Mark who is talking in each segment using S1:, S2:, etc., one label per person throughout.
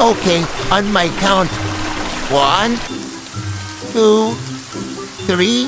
S1: Okay, on my count. 1, 2, 3.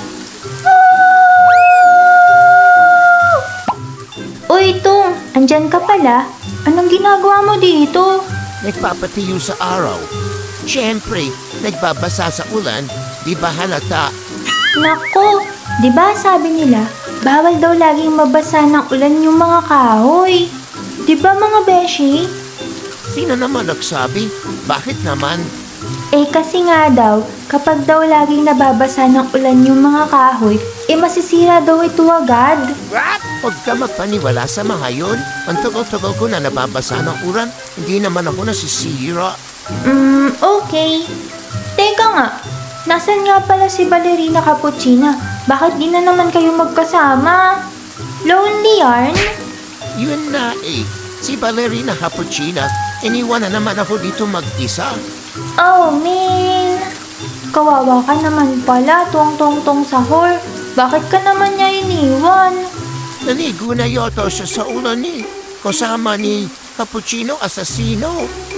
S2: Uy, Tung, andyan ka pala? Anong ginagawa mo dito?
S1: Nagpapatiyo sa araw. Siyempre, nagbabasa sa ulan, di ba halata?
S2: Nako, di ba sabi nila, bawal daw laging mabasa ng ulan yung mga kahoy. Di ba mga beshi?
S1: Sino naman nagsabi? Bakit naman?
S2: Eh kasi nga daw, kapag daw laging nababasa ng ulan yung mga kahoy, masisira daw ito agad.
S1: What? Huwag ka magpaniwala sa mga yun. Ang tagal-tagal ko na nababasa ng ulan, hindi naman ako nasisira.
S2: Okay. Teka nga, nasan nga pala si Ballerina Cappuccina? Bakit di na naman kayo magkasama? Lonely yarn?
S1: Yun na eh. Si Ballerina Cappuccina, iniwan na naman ako dito mag-isa.
S2: Oh, man. Kawawa ka naman pala, tong sahur. Bakit ka naman niya iniwan?
S1: Naligo na yata siya sa ulan eh. Kasama ni Cappuccino Assassino.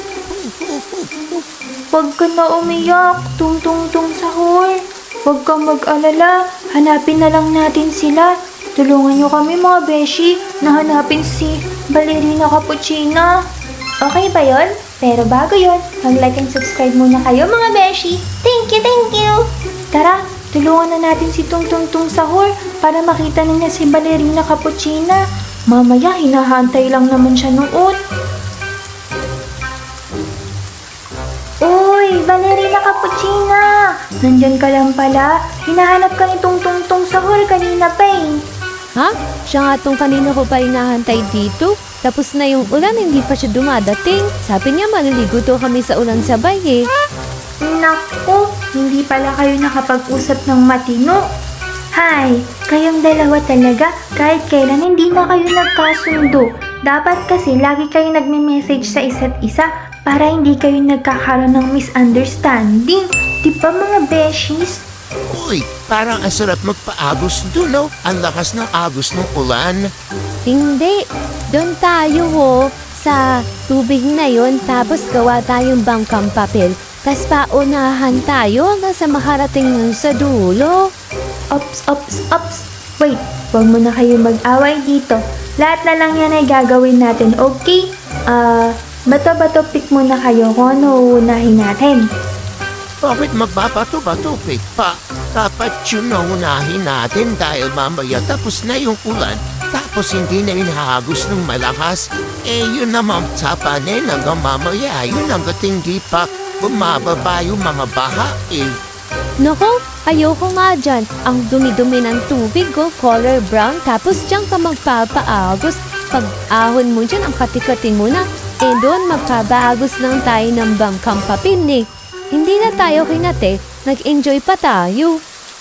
S2: Huwag ka na umiyak, tung sahur. Huwag kang mag-alala, hanapin na lang natin sila. Tulungan niyo kami mga beshi na hanapin si Ballerina Cappuccina. Okay ba yon? Pero bago yon, mag-like and subscribe muna kayo mga beshi. Thank you! Tara, tulungan na natin si Tung Sahur para makita na niya si Ballerina Cappuccina. Mamaya, hinahantay lang naman siya noon. Uy, Ballerina Cappuccina! Nandyan ka lang pala. Hinahanap ka ni Tung Sahur kanina pa eh.
S3: Ha? Siya nga tong kanina ko pa hinahantay dito. Tapos na yung ulan, hindi pa siya dumadating. Sabi niya maliligo to kami sa ulan sabay eh.
S2: Naku, hindi pala kayo nakapag-usap ng matino. Hay, kayong dalawa talaga, kahit kailan hindi na kayo nagkasundo. Dapat kasi lagi kayo nagme-message sa isa't isa para hindi kayo nagkakaroon ng misunderstanding. Di ba mga beshies?
S1: Uy, parang ang sarap magpaagos doon, no? Ang lakas ng agos ng ulan.
S3: Hindi. Doon tayo sa tubig na yon, tapos gawa tayong bangkang papel. Tapos paunahan tayo hanggang sa makarating nun sa dulo.
S2: Ops. Wait, huwag mo na kayo mag-away dito. Lahat na lang yan ay gagawin natin, okay? Bato-bato pick muna kayo kung ano uunahin natin.
S1: Bakit magbabato-bato pa? Dapat yun na unahin natin dahil mamaya tapos na yung ulan. Tapos hindi na hinahagos ng malakas. Eh yun naman tapanin hanggang mamaya. Yun hanggat hindi pa bumababa yung mga baha eh.
S3: Nako, ayoko nga dyan. Ang dumi-dumi ng tubig color brown. Tapos dyan ka magpapaagos. Pag ahon mo dyan, ang katikatin mo na. Eh doon magpapaagos lang tayo ng bangkang papel eh. Hindi na tayo kinate, nag-enjoy pa tayo.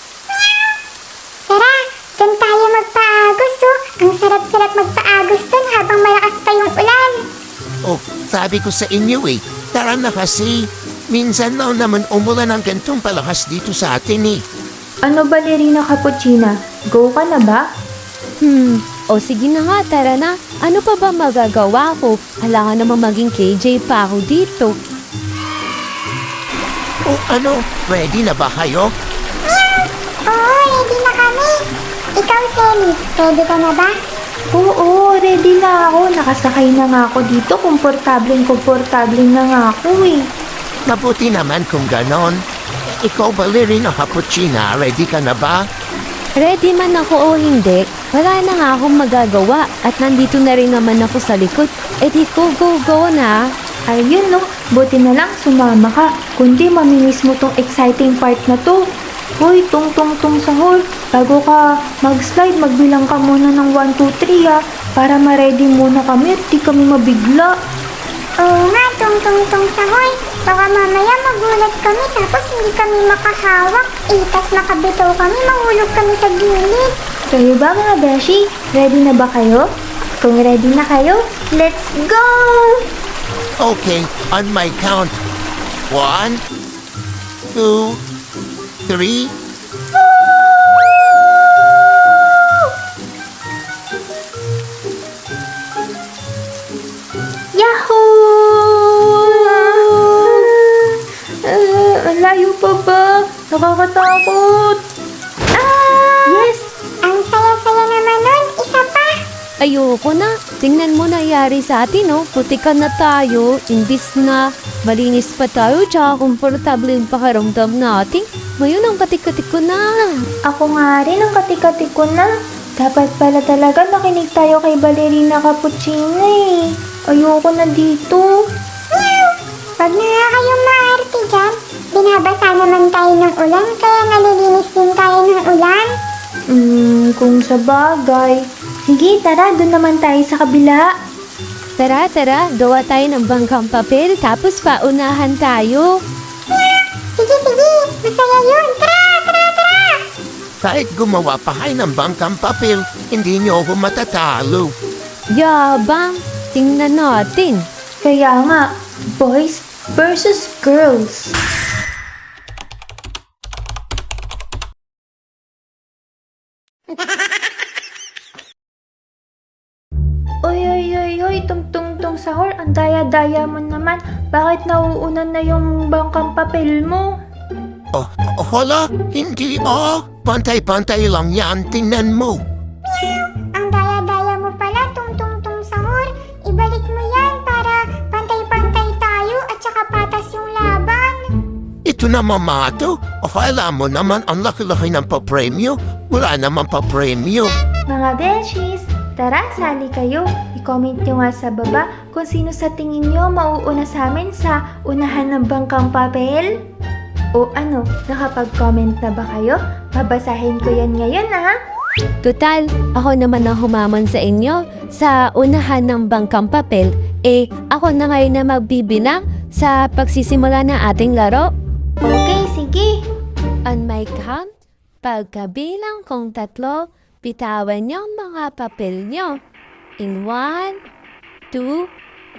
S4: Tara, dyan tayo magpaagos Ang sarap-sarap magpaagos dun habang malakas pa yung ulan.
S1: Oh, sabi ko sa inyo eh. Tara na kasi. Minsan lang naman umulan ng gantong palakas dito sa atin eh.
S2: Ano Ballerina Cappuccina? Go ka na ba?
S3: O sige na nga, tara na. Ano pa ba magagawa ko? Kailangan naman maging KJ pa ako dito.
S1: O ano, ready na ba kayo?
S4: Oo, ready na kami. Ikaw, Sally, ready ka na ba?
S2: Oo, ready na ako. Nakasakay na nga ako dito. Komportableng na nga ako eh.
S1: Mabuti naman kung ganon. Ikaw, Ballerina Cappuccina, ready ka na ba?
S3: Ready man ako o hindi, wala na nga akong magagawa at nandito na rin naman ako sa likod. Eh di go na.
S2: Ayun no, buti na lang sumama ka. Kundi mamimiss mo tong exciting part na to. Hoy, tung sahur. Bago ka mag-slide, magbilang ka muna ng 1, 2, 3 para ma-ready muna kami at di kami mabigla.
S4: Oo nga, tung sahoy. Baka mamaya magulat kami tapos hindi kami makahawak. Tas makabitaw kami, mahulog kami sa gilid.
S2: Kayo ba mga beshi? Ready na ba kayo? Kung ready na kayo, let's go!
S1: Okay, on my count. 1, 2, 3.
S2: Yahoo! Nakakatakot! Yes!
S4: Ang saya-saya naman nun. Isa pa.
S3: Ayoko na. Tingnan mo nangyari sa atin, oh. Putikan na tayo. Imbis na malinis pa tayo, tsaka komportable yung pakaramdam natin. Ngayon ang katik-katik ko na.
S2: Ako nga rin ang katik-katik ko na. Dapat pala talaga nakinig tayo kay Ballerina Cappuccino eh. Ayoko na dito.
S4: Wag na nga kayong maarte dyan. Binabasa naman tayo ng ulan, kaya nalilinis din tayo ng ulan.
S2: Kung sa bagay. Sige, tara, doon naman tayo sa kabila.
S3: Tara, gawa tayo ng bangkang papel tapos paunahan tayo.
S4: Sige, masaya yun. Tara!
S1: Kahit gumawa pa kayo ng bangkang papel, hindi niyo ako matatalo.
S3: Yabang, tingnan natin.
S2: Kaya nga, boys versus girls. Oy, tung sahur, ang daya-daya mo naman. Bakit nauunan na yung bangkang papel mo?
S1: Hala, hindi Pantay-pantay lang yan, tingnan mo.
S4: Ang daya-daya mo pala, tung sahur. Ibalik mo yan para pantay-pantay tayo at saka patas yung laban.
S1: Ito na mamato. Akala mo naman ang laki-laki ng papremyo. Wala naman papremyo.
S2: Mga beshies, tara, sali kayo. I-comment nyo nga sa baba kung sino sa tingin nyo mauuna sa amin sa unahan ng bangkang papel. O ano, nakapag-comment na ba kayo? Babasahin ko yan ngayon ha.
S3: Total, ako naman ang humamon sa inyo sa unahan ng bangkang papel. Ako na ngayon na magbibilang sa pagsisimula ng ating laro.
S2: Okay, sige.
S3: On my count, pagkabilang kong 3, bitawan niyo ang mga papel niyo. In 1, 2,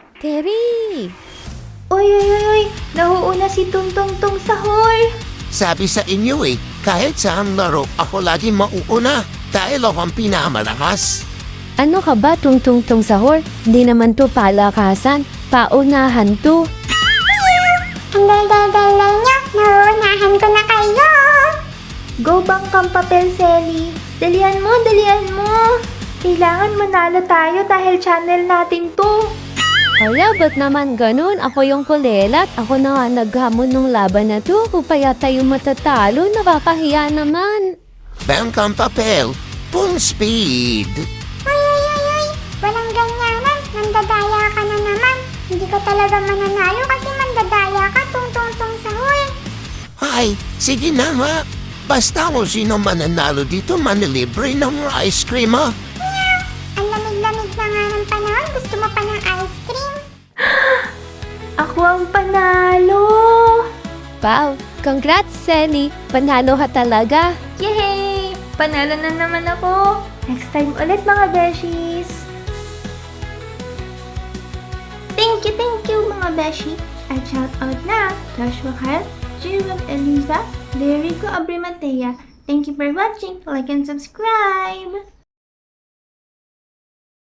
S3: 3.
S2: Uy, nauuna si Tung Sahur.
S1: Sabi sa inyo kahit saan laro, ako lagi mauuna dahil ako ang pinamalakas.
S3: Ano ka ba, Tung Sahur? Hindi naman to palakasan. Paunahan to.
S4: Ang daldal-daldal niya, nauunahan ko na kayo.
S2: Go bangkang papel, Selly. Dalian mo. Kailangan manalo tayo dahil channel natin to.
S3: Hala, ba't naman ganun? Ako yung kulelat. Ako na nga naghamon ng laban na to. Kung pa yata yung matatalo, nakakahiya naman.
S1: Bangkang papel, full speed.
S4: Ay. Walang ganyanan. Mandadaya ka na naman. Hindi ka talaga mananalo kasi mandadaya ka, tung sahur.
S1: Ay, sige na nga. Basta kung sino mananalo dito, manilibre ng ice cream ha.
S4: Ang lamig-lamig na nga ng panahon. Gusto mo pa ng ice cream?
S2: Ako ang panalo.
S3: Wow, congrats, Selly. Panalo ka talaga.
S2: Yay! Panalo na naman ako. Next time ulit mga beshies. Thank you mga beshi. At shout out na Joshua Kyle, Jewel Eliza, Derico Abrimatea. Thank you for watching. Like and subscribe.